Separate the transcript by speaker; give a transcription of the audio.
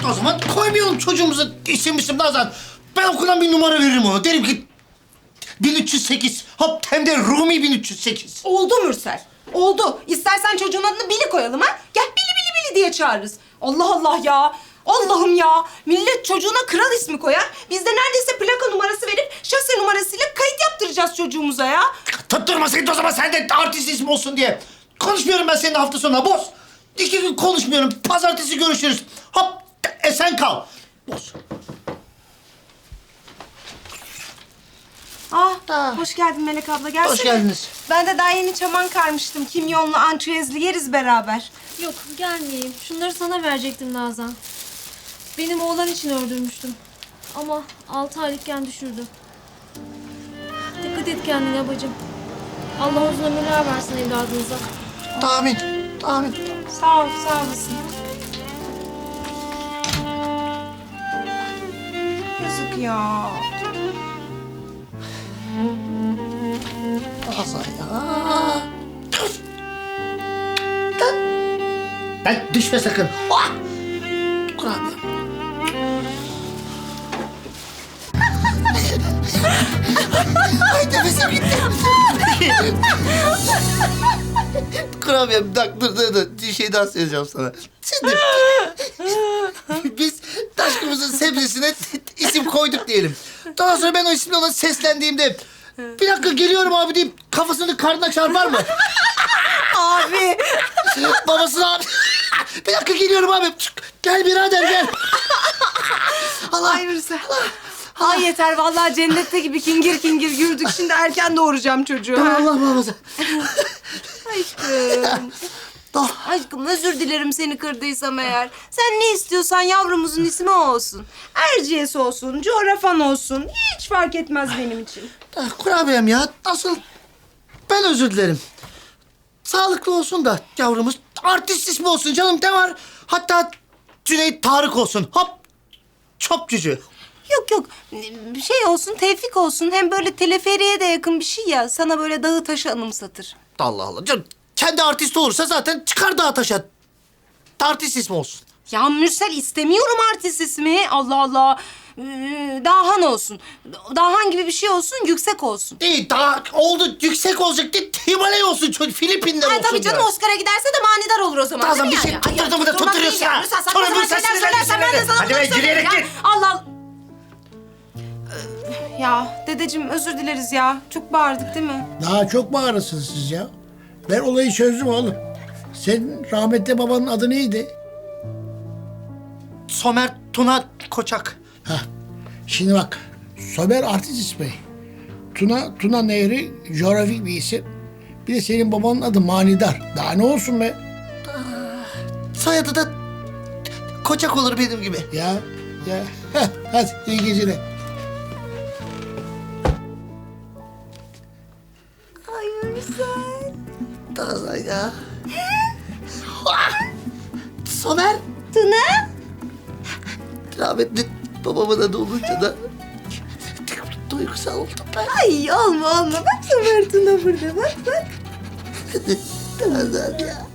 Speaker 1: O zaman koymayalım çocuğumuza isim Nazan. Ben okuldan bir numara veririm ona. Derim ki 1308. Hop hem de Rumi 1308.
Speaker 2: Oldu Mürsel. Oldu. İstersen çocuğun adını Bili koyalım ha. Gel Bili Bili Bili diye çağırırız. Allah Allah ya. Allah'ım ya. Millet çocuğuna kral ismi koyar. Biz de neredeyse plaka numarası verip şase numarasıyla kayıt yaptıracağız çocuğumuza ya.
Speaker 1: Tutturmasaydın o zaman sen de artist ismi olsun diye. Konuşmuyorum ben seninle hafta sonuna boz. 2 gün konuşmuyorum. Pazartesi görüşürüz. Hop esen kal. Boz.
Speaker 2: Hoş geldin Melek abla. Gelsene.
Speaker 1: Hoş geldiniz.
Speaker 2: Ben de daha yeni çaman karmıştım. Kimyonlu, ançüezli yeriz beraber.
Speaker 3: Yok gelmeyeyim. Şunları sana verecektim Nazan. Benim oğlan için öldürmüştüm. Ama 6 aylıkken düşürdü. Dikkat et kendine bacım. Allah uzun ömürler versin evladınıza.
Speaker 1: Amin. Amin.
Speaker 2: Sağ ol, sağ olasın. Yazık ya.
Speaker 1: Nazan ya. Ben düşme sakın. Ah! Kurabiye. Ay nefesim gitti. Kurabiye bak dur. Bir şey daha söyleyeceğim sana. Şimdi biz aşkımızın sebzesine isim koyduk diyelim. Daha sonra ben o isimle ona seslendiğimde bir dakika geliyorum abi deyip kafasını karnına çarpar mı?
Speaker 2: Abi.
Speaker 1: Babasına abi. Bir dakika geliyorum abi. Gel birader gel. Allah.
Speaker 2: Ay Mürsel. Ay yeter vallahi cennette gibi kingir kingir yürüdük. Şimdi erken doğuracağım çocuğu.
Speaker 1: Allah muhafaza.
Speaker 2: Aşkım. Aşkım özür dilerim seni kırdıysam eğer. Sen ne istiyorsan yavrumuzun ismi o olsun. Erciyes olsun, coğrafan olsun. Hiç fark etmez benim için.
Speaker 1: Kurabiyem ya. Nasıl? Ben özür dilerim. Sağlıklı olsun da yavrumuz. Artist ismi olsun canım ne var? Hatta Cüneyt Tarık olsun. Hop. Çop cücü.
Speaker 2: Yok. Bir şey olsun, Tevfik olsun. Hem böyle teleferiye de yakın bir şey ya. Sana böyle dağı taşı anımsatır.
Speaker 1: Allah Allah. Canım, kendi artist olursa zaten çıkar dağa taşa. Artist ismi olsun.
Speaker 2: Ya Mürsel istemiyorum artist ismi. Allah Allah. Dahan olsun. Dahan gibi bir şey olsun, yüksek olsun.
Speaker 1: İyi daha oldu yüksek olacak diye Himalaya olsun çocuk. Filipinler
Speaker 2: Ay
Speaker 1: olsun.
Speaker 2: tabii canım
Speaker 1: biraz.
Speaker 2: Oscar'a giderse de manidar olur o zaman.
Speaker 1: Nazan,
Speaker 2: değil mi
Speaker 1: bir şey
Speaker 2: yani?
Speaker 1: tutturdun mu da
Speaker 2: tutturmak
Speaker 1: tutturuyorsun
Speaker 2: değil
Speaker 1: ha.
Speaker 2: ya. Mürsel saçma
Speaker 1: Sonra
Speaker 2: sapan
Speaker 1: Mürsel
Speaker 2: şeyler
Speaker 1: sinirlendi,
Speaker 2: söylersen ben de
Speaker 1: sinirlendi.
Speaker 2: sana
Speaker 1: Hadi
Speaker 2: bunları
Speaker 1: be,
Speaker 2: söylerim
Speaker 1: yürüyerek
Speaker 2: ya.
Speaker 1: git.
Speaker 2: Allah Allah. Ya dedeciğim özür dileriz ya. Çok bağırdık değil mi?
Speaker 4: Daha çok bağırırsınız siz ya. Ben olayı çözdüm oğlum. Senin rahmetli babanın adı neydi?
Speaker 1: Somer Tuna Koçak.
Speaker 4: Hah. Şimdi bak. Somer artist ismi. Tuna Nehri coğrafik bir isim. Bir de senin babanın adı Manidar. Daha ne olsun be?
Speaker 1: Soyadı da Koçak olur benim gibi.
Speaker 4: Ya. Heh, hadi iyi geceler.
Speaker 2: Ay Mürsel.
Speaker 1: Nazan ya. Somer.
Speaker 2: Tuna.
Speaker 1: Rahmetli babamın adı olunca da duygusal oldum ben.
Speaker 2: Ay olma. Bak Ömer Tuna burada bak.
Speaker 1: Nazan ya.